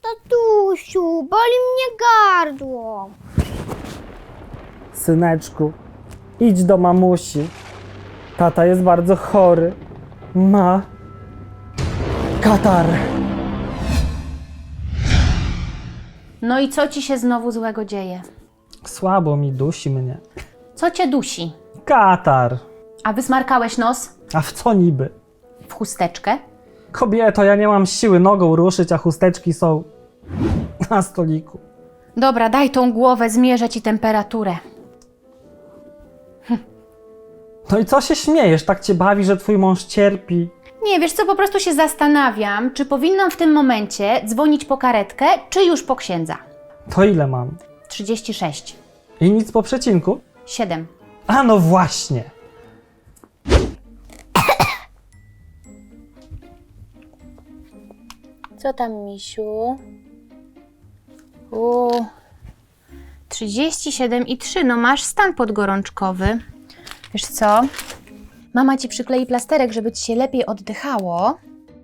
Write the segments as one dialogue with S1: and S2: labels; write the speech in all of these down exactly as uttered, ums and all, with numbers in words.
S1: Tatusiu, boli mnie gardło.
S2: Syneczku, idź do mamusi. Tata jest bardzo chory. Ma katar.
S3: No i co ci się znowu złego dzieje?
S2: Słabo mi, dusi mnie.
S3: Co cię dusi?
S2: Katar.
S3: A wysmarkałeś nos
S2: A w co niby?
S3: w chusteczkę?
S2: Kobieto, ja nie mam siły nogą ruszyć, a chusteczki są na stoliku.
S3: Dobra, daj tą głowę, zmierzę ci temperaturę.
S2: No i co się śmiejesz? Tak cię bawi, że twój mąż cierpi?
S3: Nie, wiesz co, po prostu się zastanawiam, czy powinnam w tym momencie dzwonić po karetkę, czy już po księdza.
S2: To ile mam?
S3: trzydzieści sześć.
S2: I nic po przecinku?
S3: siedem.
S2: A no właśnie.
S3: Co tam, misiu? Uuu. trzydzieści siedem i trzy, no masz stan podgorączkowy. Wiesz co? Mama ci przyklei plasterek, żeby ci się lepiej oddychało.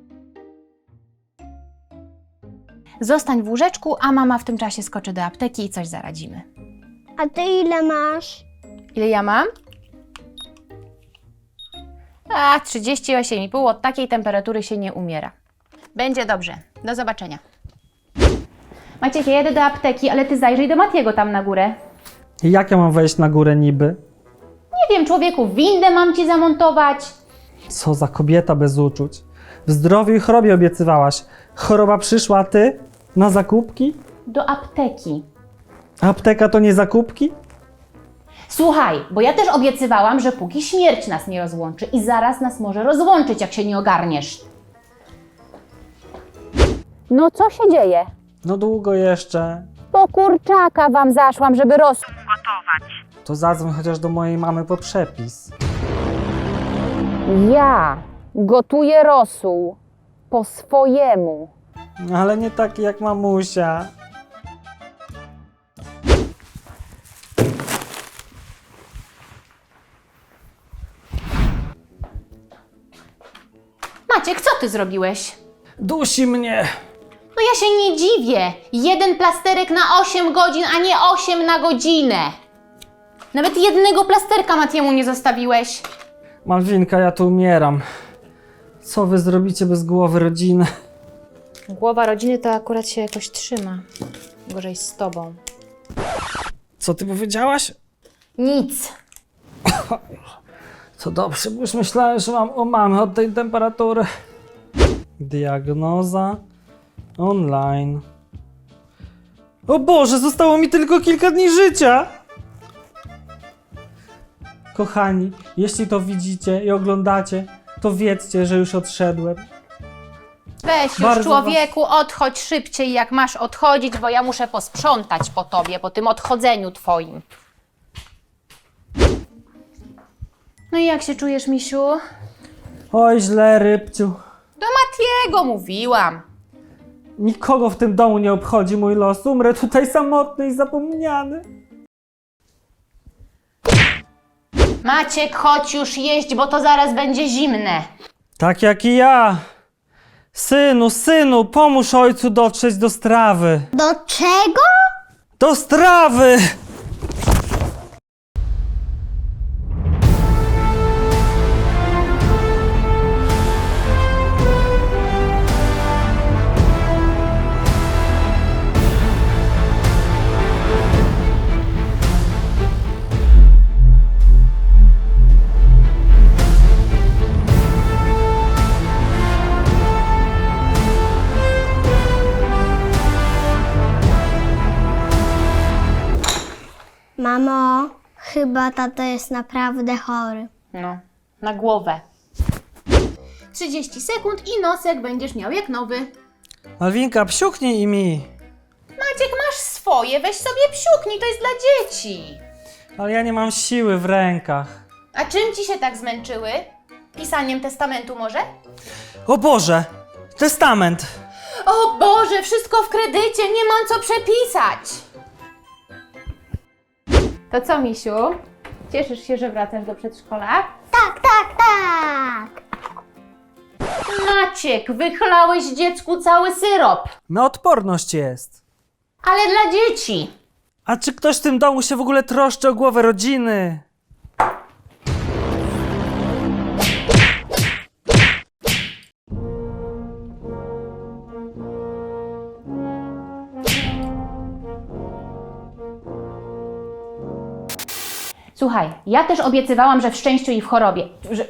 S3: Zostań w łóżeczku, a mama w tym czasie skoczy do apteki i coś zaradzimy.
S1: A ty ile masz?
S3: Ile ja mam? A, trzydzieści osiem i pół. Od takiej temperatury się nie umiera. Będzie dobrze. Do zobaczenia. Maciek, ja jedę do apteki, ale ty zajrzyj do Matiego tam na górę.
S2: I jak ja mam wejść na górę niby?
S3: Nie wiem, człowieku, windę mam ci zamontować.
S2: Co za kobieta bez uczuć. W zdrowiu i chorobie obiecywałaś. Choroba przyszła, a ty? Na zakupki?
S3: Do apteki.
S2: Apteka to nie zakupki?
S3: Słuchaj, bo ja też obiecywałam, że póki śmierć nas nie rozłączy i zaraz nas może rozłączyć, jak się nie ogarniesz. No co się dzieje?
S2: No długo jeszcze.
S3: Po kurczaka wam zaszłam, żeby rosół.
S2: To zadzwoń chociaż do mojej mamy po przepis.
S3: Ja gotuję rosół po swojemu.
S2: Ale nie taki jak mamusia.
S3: Maciek, co ty zrobiłeś?
S2: Dusi mnie.
S3: No ja się nie dziwię. Jeden plasterek na osiem godzin, a nie osiem na godzinę. Nawet jednego plasterka Matiemu nie zostawiłeś.
S2: Malwinka, ja tu umieram. Co wy zrobicie bez głowy rodziny?
S3: Głowa rodziny to akurat się jakoś trzyma. Gorzej z tobą.
S2: Co ty powiedziałaś?
S3: Nic.
S2: To dobrze, bo już myślałem, że mam o mamy od tej temperatury. Diagnoza online. O Boże, zostało mi tylko kilka dni życia! Kochani, jeśli to widzicie i oglądacie, to wiedzcie, że już odszedłem.
S3: Weź już,
S2: Bardzo
S3: człowieku, odchodź szybciej, jak masz odchodzić, bo ja muszę posprzątać po tobie, po tym odchodzeniu twoim. No i jak się czujesz, misiu?
S2: Oj, źle, rybciu.
S3: Do Matiego mówiłam.
S2: Nikogo w tym domu nie obchodzi mój los. Umrę tutaj samotny i zapomniany.
S3: Maciek, chodź już jeść, bo to zaraz będzie zimne.
S2: Tak jak i ja. Synu, synu, pomóż ojcu dotrzeć do strawy.
S1: Do czego?
S2: Do strawy!
S1: Mamo, chyba tato jest naprawdę chory.
S3: No, na głowę. trzydzieści sekund i nosek będziesz miał jak nowy.
S2: Malwinka, psiuknij mi.
S3: Maciek, masz swoje, weź sobie psiuknij, to jest dla dzieci.
S2: Ale ja nie mam siły w rękach.
S3: A czym ci się tak zmęczyły? Pisaniem testamentu może?
S2: O Boże! Testament!
S3: O Boże, wszystko w kredycie, nie mam co przepisać. To co, misiu? Cieszysz się, że wracasz do przedszkola?
S1: Tak, tak, tak.
S3: Maciek, wychlałeś dziecku cały syrop.
S2: Na odporność jest.
S3: Ale dla dzieci.
S2: A czy ktoś w tym domu się w ogóle troszczy o głowę rodziny?
S3: Słuchaj, ja też obiecywałam, że w szczęściu i w chorobie. Że...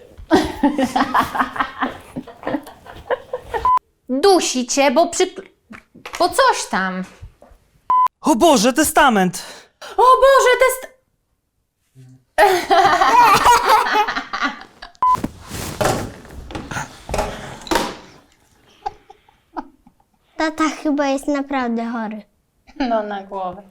S3: Dusi cię, bo przy... bo coś tam.
S2: O Boże, testament!
S3: O Boże, test...
S1: Tata chyba jest naprawdę chory.
S3: No na głowę.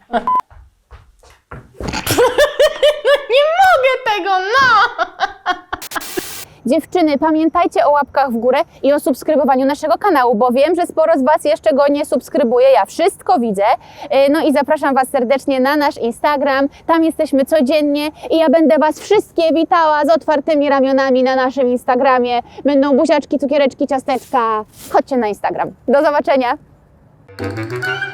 S3: No nie mogę tego, no! Dziewczyny, pamiętajcie o łapkach w górę i o subskrybowaniu naszego kanału, bo wiem, że sporo z Was jeszcze go nie subskrybuje. Ja wszystko widzę. No i zapraszam Was serdecznie na nasz Instagram. Tam jesteśmy codziennie i ja będę Was wszystkie witała z otwartymi ramionami na naszym Instagramie. Będą buziaczki, cukiereczki, ciasteczka. Chodźcie na Instagram. Do zobaczenia!